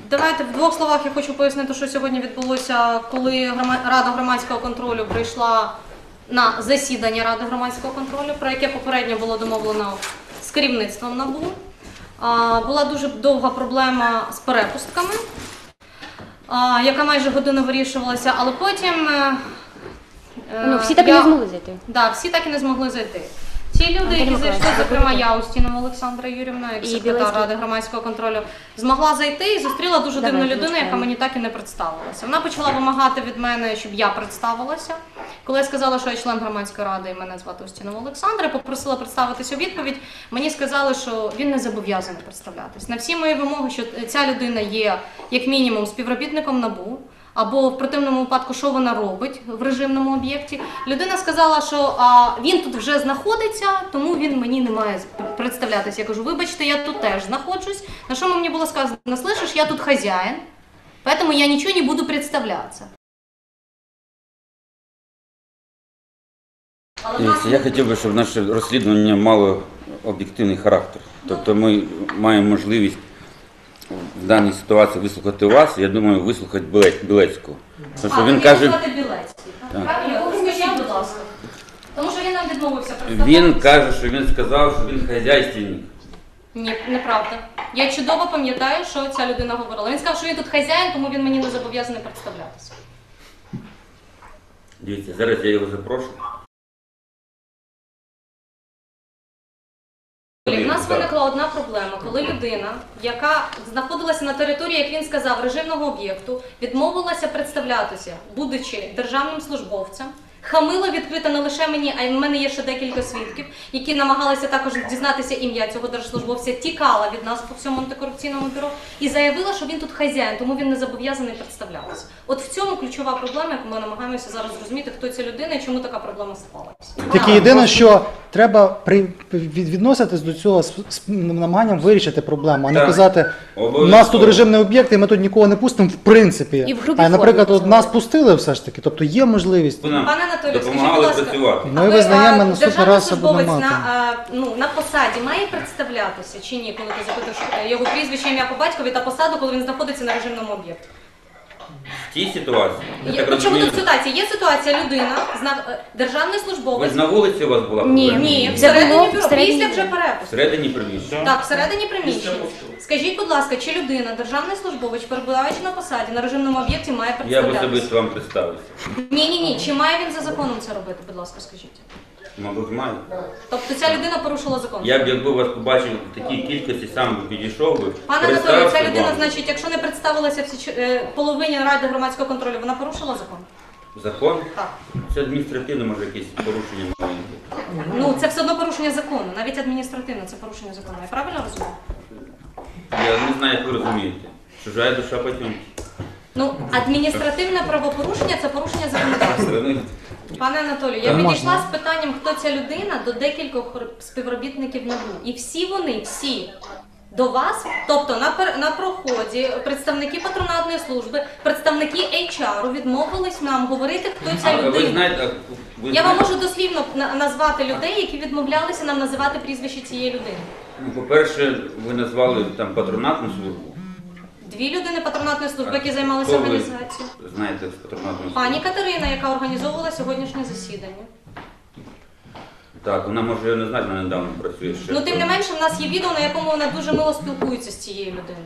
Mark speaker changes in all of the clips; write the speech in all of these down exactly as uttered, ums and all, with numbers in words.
Speaker 1: Давайте в двох словах я хочу пояснити, що сьогодні відбулося, коли Рада громадського контролю прийшла на засідання Ради громадського контролю, про яке попередньо було домовлено з керівництвом НАБУ. Була дуже довга проблема з перепустками, яка майже годину вирішувалася, але потім...
Speaker 2: Ну, всі так я... і не змогли зайти.
Speaker 1: Так, да, всі так і не змогли зайти. Ті люди, які зайшли, зокрема я, Устінова Олександра Юрівна, як секретар Ради громадського контролю, змогла зайти і зустріла дуже дивну людину, яка мені так і не представилася. Вона почала вимагати від мене, щоб я представилася. Коли я сказала, що я член громадської ради і мене звати Устінова Олександра, попросила представитися у відповідь, мені сказали, що він не зобов'язаний представлятись. На всі мої вимоги, що ця людина є, як мінімум, співробітником НАБУ, або в противному випадку, що вона робить в режимному об'єкті. Людина сказала, що а, він тут вже знаходиться, тому він мені не має представлятися. Я кажу, вибачте, я тут теж знаходжусь. На що мені було сказано, слышиш, я тут хазяїн, поэтому я нічого не буду представлятися.
Speaker 3: Я хотів би, щоб наше розслідування мало об'єктивний характер. Тобто ми маємо можливість в даній ситуації вислухати вас, я думаю, вислухати Білецького.
Speaker 1: Тому що він каже... Білецький, так? Правильно? Скажіть, будь ласка. Тому що він нам відмовився представлятися.
Speaker 3: Він каже, що він сказав, що він хазяйственник.
Speaker 1: Ні, неправда. Я чудово пам'ятаю, що ця людина говорила. Він сказав, що він тут хазяїн, тому він мені не зобов'язаний представлятися.
Speaker 3: Дивіться, зараз я його запрошую.
Speaker 1: У нас виникла одна проблема, коли людина, яка знаходилася на території, як він сказав, режимного об'єкту, відмовилася представлятися, будучи державним службовцем, хамила відкрито не лише мені, а й в мене є ще декілька свідків, які намагалися також дізнатися ім'я цього держслужбовця, тікала від нас по всьому антикорупційному бюро і заявила, що він тут хазяїн, тому він не зобов'язаний представлятися. От в цьому ключова проблема, яку ми намагаємося зараз зрозуміти, хто ця людина і чому така проблема склалася.
Speaker 4: Тільки єдине, що треба при, відноситись до цього з, з намаганням вирішити проблему, а не казати, у нас тут режимний об'єкт і ми тут нікого не пустимо в принципі.
Speaker 2: І в групі
Speaker 4: а, наприклад,
Speaker 2: формі,
Speaker 4: от нас пустили все ж таки, тобто є можливість.
Speaker 1: Пане Анатолію, скажіть, будь ласка,
Speaker 4: ми визнаємо наступний раз
Speaker 1: будемо мати. На, ну, на посаді має представлятися чи ні, коли ти запитуєш його прізвище, ім'я по батькові та посаду, коли він знаходиться на режимному об'єкті?
Speaker 3: В тій ситуації?
Speaker 1: Я, ну, чому тут ситуація? Є ситуація, людина, державний службовець.
Speaker 3: Ви на вулиці у вас була?
Speaker 2: Ні,
Speaker 1: ні, всередині бюро, після вже перепуску.
Speaker 3: Всередині приміщення?
Speaker 1: Так, всередині приміщення. Скажіть, будь ласка, чи людина, державний службовець, перебуваючи на посаді, на режимному об'єкті, має представлятися?
Speaker 3: Я б особисто вам представився.
Speaker 1: Ні-ні-ні, чи має він за законом це робити, будь ласка, скажіть?
Speaker 3: Мабуть, маю.
Speaker 1: Тобто ця людина порушила закон?
Speaker 3: Я б, якби вас побачив в такій кількості, сам би підійшов би.
Speaker 1: Пане Анатолію, ця людина, значить, якщо не представилася всі, е, половині Ради громадського контролю, вона порушила закон?
Speaker 3: Закон?
Speaker 1: Так.
Speaker 3: Це адміністративне, може, якесь порушення маленьке.
Speaker 1: Ну, це все одно порушення закону, навіть адміністративне це порушення закону. Я правильно розумію?
Speaker 3: Я не знаю, як ви розумієте. Чужая душа потім.
Speaker 1: Ну, адміністративне правопорушення – це порушення законодавства. Пане Анатолію, я підійшла з питанням, хто ця людина, до декількох співробітників НАБУ. І всі вони, всі, до вас, тобто на, на проході, представники патронатної служби, представники ейч ар відмовились нам говорити, хто ця людина.
Speaker 3: Ви знаєте, ви
Speaker 1: я вам
Speaker 3: знаєте...
Speaker 1: можу дослівно назвати людей, які відмовлялися нам називати прізвище цієї людини.
Speaker 3: Ну, по-перше, ви назвали там патронатну службу.
Speaker 1: Дві людини патронатної служби, які займалися організацією.
Speaker 3: Знаєте, з патронатної служби?
Speaker 1: Пані Катерина, яка організовувала сьогоднішнє засідання.
Speaker 3: Так, вона може не знати, вона недавно працює ще.
Speaker 1: Ну, тим не менше, в нас є відео, на якому вона дуже мило спілкується з цією людиною.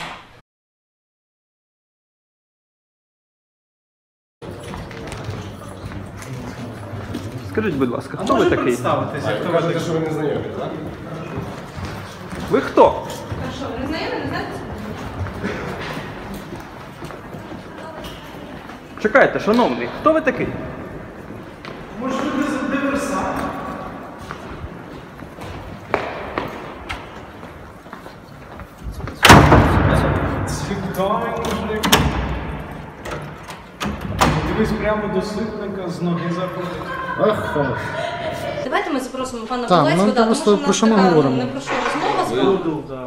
Speaker 5: Скажіть, будь ласка, хто ви такий?
Speaker 6: Ви кажете, що ви не знайомі, так?
Speaker 5: Ви хто?
Speaker 1: Хорошо, ви не знайомі, не знаєте?
Speaker 5: Чекайте, шановний, хто ви такий?
Speaker 6: Може, ви диверсант? Цікавий мужик. Дивись прямо до ситника, з ноги заходить. Ах,
Speaker 1: Давайте ми запросимо пана
Speaker 4: Так,
Speaker 1: Білецького,
Speaker 4: ну,
Speaker 1: да, тому
Speaker 4: просто
Speaker 1: що в
Speaker 4: про
Speaker 1: нас
Speaker 4: що ми
Speaker 1: така
Speaker 4: говоримо?
Speaker 1: не про що розмова з вами.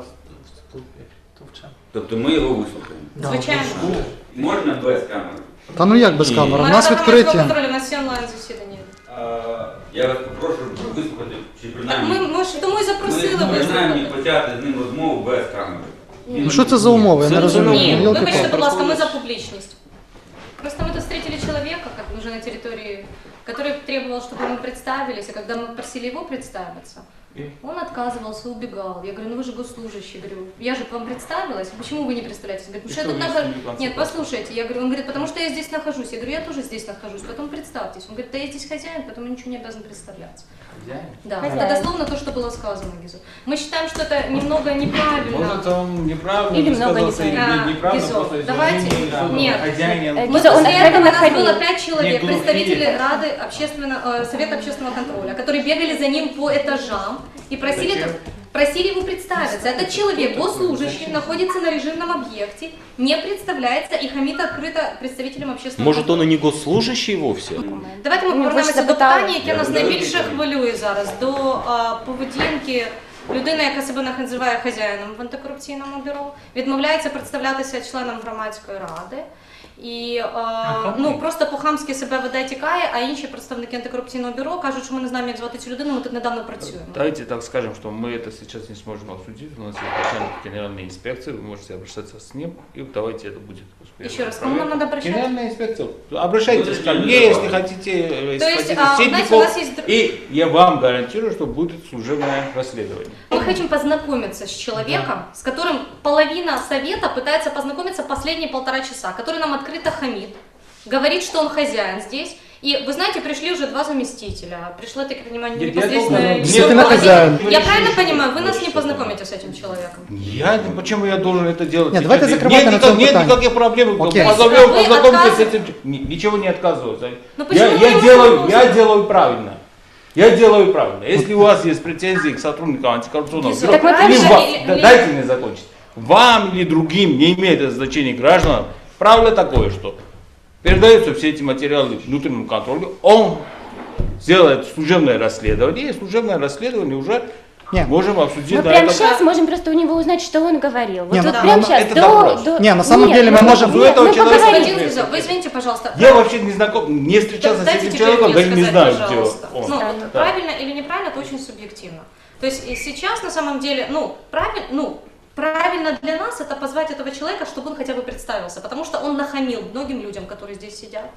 Speaker 3: Тобто ми його вислухаємо.
Speaker 1: Звичайно.
Speaker 3: Можна без камери?
Speaker 4: Та ну як без камери? У
Speaker 1: Ми
Speaker 4: нас
Speaker 1: Рада громадського
Speaker 4: відкриті.
Speaker 1: контролю, у нас є онлайн засідання.
Speaker 3: Я вас попрошу вислухати, чи
Speaker 1: Так
Speaker 3: принаймні...
Speaker 1: ми, ми ж тому і запросили
Speaker 3: Ми принаймні
Speaker 1: вислухати.
Speaker 3: почати з ним розмову без камери.
Speaker 4: Ну що це за умови? Я не розумію.
Speaker 1: Ні,
Speaker 4: Ну,
Speaker 1: вибачте,
Speaker 4: йолки-палки.
Speaker 1: будь ласка, ми за публичность. Просто мы тут встретили человека, как уже на территории, который требовал, чтобы мы представились, а когда мы просили его представиться, он отказывался, убегал. Я говорю, ну вы же госслужащий, говорю, я же к вам представилась, почему вы не представляетесь? Он говорит, потому что я тут нахожусь. Нет, послушайте, я говорю, он говорит, потому что я здесь нахожусь. Я говорю, я тоже здесь нахожусь, потом представьтесь. Он говорит, да я здесь хозяин, поэтому ничего не обязан представляться. Да,
Speaker 2: Хозяин.
Speaker 1: это дословно то, что было сказано, Гизо. Мы считаем, что это немного неправильно.
Speaker 7: Может, он неправильно
Speaker 2: Или много
Speaker 7: высказался,
Speaker 2: неправильно.
Speaker 7: или неправильно,
Speaker 1: Гизо,
Speaker 7: просто из
Speaker 1: давайте-
Speaker 7: уважения к
Speaker 1: нет.
Speaker 7: хозяину.
Speaker 2: Э,
Speaker 1: Мы
Speaker 2: Гизо, он
Speaker 1: после этого,
Speaker 2: откровенно
Speaker 1: у нас было
Speaker 2: хамил.
Speaker 1: пять человек,
Speaker 7: Не глухие.
Speaker 1: представители Рады общественного, э, Совета общественного контроля, которые бегали за ним по этажам и просили,
Speaker 7: Зачем?
Speaker 1: просили его представиться. Этот человек, госслужащий, находится на режимном объекте, не представляется и хамит открыто представителям общественного
Speaker 8: Может, он и не госслужащий вовсе?
Speaker 1: Давайте ми
Speaker 2: Ну, ви ж
Speaker 1: повернемося до
Speaker 2: запитали.
Speaker 1: питання, яке нас найбільше хвилює зараз, до а, поведінки людини, яка себе називає хазяїном в антикорупційному бюро, відмовляється представлятися членом громадської ради. І а, ну, просто по-хамськи себе веде, тікає, а інші представники антикорупційного бюро кажуть, що ми не знаємо, як звати цю людину, ми тут недавно працюємо.
Speaker 7: Давайте так скажем, что мы это сейчас не сможем обсудить. У нас есть начальник генеральной инспекции, вы можете обращаться с ним, и давайте это будет успешно.
Speaker 1: Еще раз, кому нам надо обращаться?
Speaker 7: Генеральная инспекция. Обращайтесь ко мне, если хотите, э,
Speaker 1: То есть,
Speaker 7: хотите
Speaker 1: а,
Speaker 7: Ситников,
Speaker 1: знаете, у нас есть друг-
Speaker 7: и я вам гарантирую, что будет служебное расследование.
Speaker 1: Мы хотим познакомиться с человеком, с которым половина совета пытается познакомиться последние полтора часа, который нам открыто хамит, говорит, что он хозяин здесь. И вы знаете, пришли уже два заместителя. Пришло, так я понимаю,
Speaker 7: Нет, я
Speaker 1: непосредственно...
Speaker 7: должен-
Speaker 4: Действительно хозяин.
Speaker 1: Я правильно понимаю, вы нас не познакомите с этим человеком?
Speaker 7: Я, почему я должен это делать?
Speaker 4: Нет, давайте
Speaker 7: Нет,
Speaker 4: закрывать на
Speaker 7: никак-
Speaker 4: этом
Speaker 7: Нет
Speaker 4: питании.
Speaker 7: никаких проблем.
Speaker 4: Окей.
Speaker 7: Позовем,
Speaker 1: Вы
Speaker 7: познакомьтесь с
Speaker 1: отказ-
Speaker 7: этим. Ни- Ничего не отказываются.
Speaker 1: Ну
Speaker 7: Я,
Speaker 1: почему
Speaker 7: я
Speaker 1: вы
Speaker 7: делаю,
Speaker 1: его
Speaker 7: я
Speaker 1: можете?
Speaker 7: делаю правильно. Я делаю правильно. Если у вас есть претензии к сотрудникам антикоррупционного
Speaker 1: Гизо,
Speaker 7: бюро,
Speaker 1: так вот
Speaker 7: или
Speaker 1: правильно
Speaker 7: вам-
Speaker 1: или-
Speaker 7: да,
Speaker 1: или-
Speaker 7: дайте мне закончить. Вам или другим, не имеет это значения гражданам, правило такое, что передаются все эти материалы внутреннему контролю, он сделает служебное расследование, и служебное расследование уже
Speaker 4: Нет.
Speaker 7: можем обсудить
Speaker 2: Мы
Speaker 7: на
Speaker 2: прямо
Speaker 7: этом.
Speaker 2: сейчас можем просто у него узнать, что он говорил. Вот,
Speaker 4: Не,
Speaker 2: вот
Speaker 4: ну,
Speaker 2: прямо
Speaker 4: ну,
Speaker 2: сейчас,
Speaker 7: это
Speaker 2: до,
Speaker 7: допрос.
Speaker 2: до-
Speaker 4: Не, на самом деле мы
Speaker 2: ну,
Speaker 4: можем-
Speaker 2: нет,
Speaker 7: У этого
Speaker 2: мы
Speaker 7: человека
Speaker 2: поговорим.
Speaker 1: Господин Гизо, вы извините, пожалуйста.
Speaker 7: Я вообще не знаком, не встречался
Speaker 1: Дайте
Speaker 7: с этим
Speaker 1: теперь
Speaker 7: человеком,
Speaker 1: мне
Speaker 7: даже не
Speaker 1: сказать,
Speaker 7: знаю, где
Speaker 1: пожалуйста.
Speaker 7: он.
Speaker 1: Ну,
Speaker 2: Да.
Speaker 1: вот правильно или неправильно, это очень субъективно. То есть и сейчас на самом деле, ну, правильно, ну, правильно для нас это позвать этого человека, чтобы он хотя бы представился, потому что он нахамил многим людям, которые здесь сидят,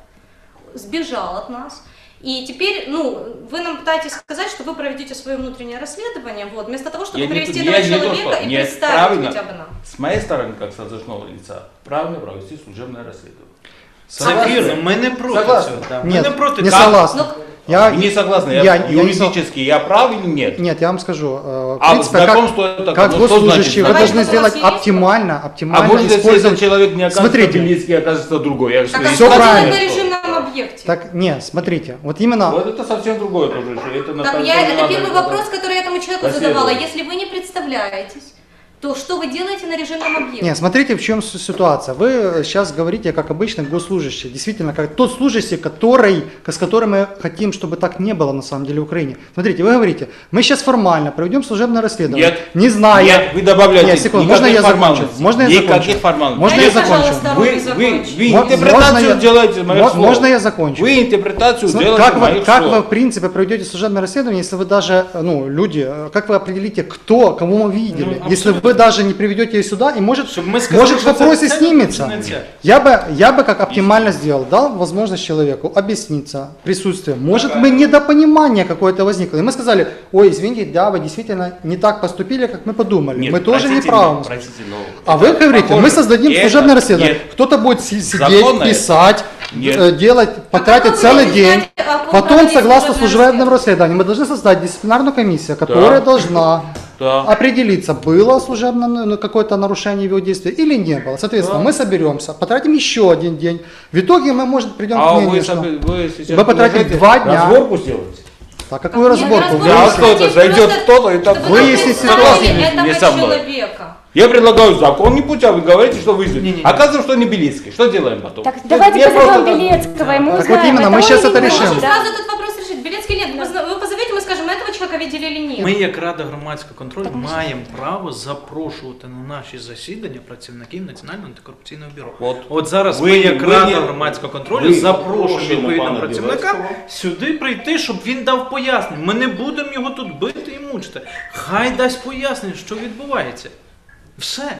Speaker 1: сбежал от нас. И теперь, ну, вы нам пытаетесь сказать, что вы проведете свое внутреннее расследование, вот, вместо того, чтобы
Speaker 7: Я не-
Speaker 1: привести
Speaker 7: я
Speaker 1: этого
Speaker 7: не то,
Speaker 1: человека
Speaker 7: что-
Speaker 1: и
Speaker 7: нет,
Speaker 1: представить
Speaker 7: правильно.
Speaker 1: хотя бы нам.
Speaker 7: С моей стороны, как с должностного лица, правильно провести служебное расследование.
Speaker 6: Согласен, ми не проти
Speaker 7: Согласен.
Speaker 6: цього. да. Ми
Speaker 4: Нет,
Speaker 6: не проти
Speaker 4: не
Speaker 6: цього.
Speaker 4: согласен.
Speaker 1: Ну,
Speaker 4: Я,
Speaker 7: Вы не согласны,
Speaker 4: я-
Speaker 7: я,
Speaker 4: я не сог-
Speaker 7: юридически я прав или нет?
Speaker 4: Нет, я вам скажу, э, в
Speaker 7: А
Speaker 4: принципе, как,
Speaker 7: знакомство это
Speaker 4: как
Speaker 7: ну, что
Speaker 4: госслужащий, вы
Speaker 7: значит
Speaker 4: должны
Speaker 1: знакомство?
Speaker 4: сделать
Speaker 1: У вас есть?
Speaker 4: оптимально,
Speaker 7: А
Speaker 4: оптимально
Speaker 7: может, если
Speaker 4: использовать...
Speaker 7: этот человек не окажется
Speaker 4: Смотрите.
Speaker 7: близкий, окажется другой? Я
Speaker 1: Так а
Speaker 7: говорю,
Speaker 4: Всё
Speaker 1: что делать
Speaker 4: правильно.
Speaker 1: на режимном объекте?
Speaker 4: Так, нет, смотрите, вот именно...
Speaker 7: Вот это совсем другое тоже. что Это на
Speaker 1: Так
Speaker 7: самом
Speaker 1: я,
Speaker 7: деле
Speaker 1: это
Speaker 7: надо
Speaker 1: первый
Speaker 7: это-
Speaker 1: вопрос, который я этому человеку
Speaker 7: Спасибо.
Speaker 1: задавала. Если вы не представляетесь, то что вы делаете на режимном объекте?
Speaker 4: Нет, смотрите, в чем с- ситуация. Вы сейчас говорите, как обычно, госслужащий. Действительно, как тот служащий, который, с которым мы хотим, чтобы так не было на самом деле в Украине. Смотрите, вы говорите, мы сейчас формально проведем служебное расследование.
Speaker 7: Нет.
Speaker 4: Не знаю.
Speaker 7: Нет, вы добавляете.
Speaker 4: Нет, секунду,
Speaker 7: никаких
Speaker 4: можно я закончу?
Speaker 7: формальностей.
Speaker 4: Можно я закончу?
Speaker 7: Никаких формальностей.
Speaker 4: Можно
Speaker 1: Дайте,
Speaker 4: я закончу?
Speaker 1: пожалуйста,
Speaker 7: Вы,
Speaker 1: руки
Speaker 7: вы,
Speaker 1: закончить.
Speaker 7: вы
Speaker 4: Мо-
Speaker 7: интерпретацию
Speaker 4: можно я-
Speaker 7: делаете моих
Speaker 4: мо-
Speaker 7: слов.
Speaker 4: можно я закончу?
Speaker 7: Вы интерпретацию
Speaker 4: См-
Speaker 7: делаете
Speaker 4: Как вы,
Speaker 7: моих
Speaker 4: как
Speaker 7: слов.
Speaker 4: вы, в принципе, проведете служебное расследование, если вы даже, ну, люди, э, как вы определите, кто, кого мы видели,
Speaker 6: Ну,
Speaker 4: если вы даже не приведете ее сюда, и может,
Speaker 6: Щоб ми сказали,
Speaker 4: может
Speaker 6: що це
Speaker 4: вопрос и
Speaker 6: це,
Speaker 4: снимется.
Speaker 6: чи не це.
Speaker 4: Я бы, я бы как оптимально сделал, дал возможность человеку объясниться присутствием. Может быть, недопонимание какое-то возникло. И мы сказали, ой, извините, да, вы действительно не так поступили, как мы подумали.
Speaker 7: Нет,
Speaker 4: мы тоже не
Speaker 7: простите,
Speaker 4: правы.
Speaker 7: простите, но
Speaker 4: А
Speaker 7: это
Speaker 4: вы говорите,
Speaker 7: похоже.
Speaker 4: мы создадим
Speaker 7: Это-
Speaker 4: служебное расследование.
Speaker 7: нет.
Speaker 4: Кто-то будет си- сидеть,
Speaker 7: Законно это?
Speaker 4: писать,
Speaker 7: Нет.
Speaker 4: э, делать, потратить
Speaker 1: вы
Speaker 4: целый
Speaker 1: будете
Speaker 4: день.
Speaker 1: знать, о ком
Speaker 4: Потом,
Speaker 1: проводить
Speaker 4: согласно
Speaker 1: служебное
Speaker 4: служебному расследованию, мы должны создать дисциплинарную комиссию, которая должна
Speaker 7: Да.
Speaker 4: определиться, было служебное ну, какое-то нарушение в его действия или не было. Соответственно, мы соберемся, потратим еще один день. В итоге мы, может, придем
Speaker 7: А
Speaker 4: к
Speaker 7: вы,
Speaker 4: мнению, что...
Speaker 7: соби- вы сейчас
Speaker 4: Вы потратите
Speaker 7: предлагаете
Speaker 4: два дня.
Speaker 7: разборку сделать?
Speaker 4: Так, какую
Speaker 1: Нет,
Speaker 4: разборку?
Speaker 1: разборку
Speaker 4: Вы
Speaker 7: Да,
Speaker 1: Вы
Speaker 7: а кто-то
Speaker 1: хотите
Speaker 7: зайдет
Speaker 1: просто,
Speaker 7: кто-то и так.
Speaker 1: чтобы
Speaker 4: Вы,
Speaker 1: вы
Speaker 4: если
Speaker 1: представили
Speaker 4: ситуация
Speaker 1: этого
Speaker 7: не со мной.
Speaker 1: человека.
Speaker 7: Я предлагаю законный путь, а вы говорите, что вы
Speaker 6: Не, не,
Speaker 7: идете.
Speaker 6: не.
Speaker 7: Оказывается, что не Белицкий. Что делаем потом?
Speaker 2: Так,
Speaker 7: Ну,
Speaker 2: давайте
Speaker 7: я
Speaker 2: позовем
Speaker 7: просто там-
Speaker 2: Белецкого, и мы
Speaker 4: Так
Speaker 2: узнаем,
Speaker 4: вот именно, мы
Speaker 2: он
Speaker 4: сейчас
Speaker 2: или
Speaker 4: это
Speaker 2: не
Speaker 4: решим.
Speaker 2: он,
Speaker 1: Можем
Speaker 2: да?
Speaker 1: сразу этот вопрос решить. Белецкий нет. Вы зна- Вы позовете, мы скажем, этого человека видели или нет.
Speaker 6: Ми, як Рада громадського контролю, маємо право запрошувати на наші засідання працівників Національного антикорупційного бюро.
Speaker 7: От.
Speaker 6: От зараз
Speaker 7: Ви-
Speaker 6: ми, як
Speaker 7: ви
Speaker 6: Рада
Speaker 7: не-
Speaker 6: громадського контролю,
Speaker 7: ви
Speaker 6: запрошуємо
Speaker 7: запрошуємо
Speaker 6: відповідного
Speaker 7: пана
Speaker 6: працівника
Speaker 7: Білецького.
Speaker 6: сюди прийти, щоб він дав пояснення. Ми не будемо його тут бити і мучити. Хай дасть пояснення, що відбувається. Все.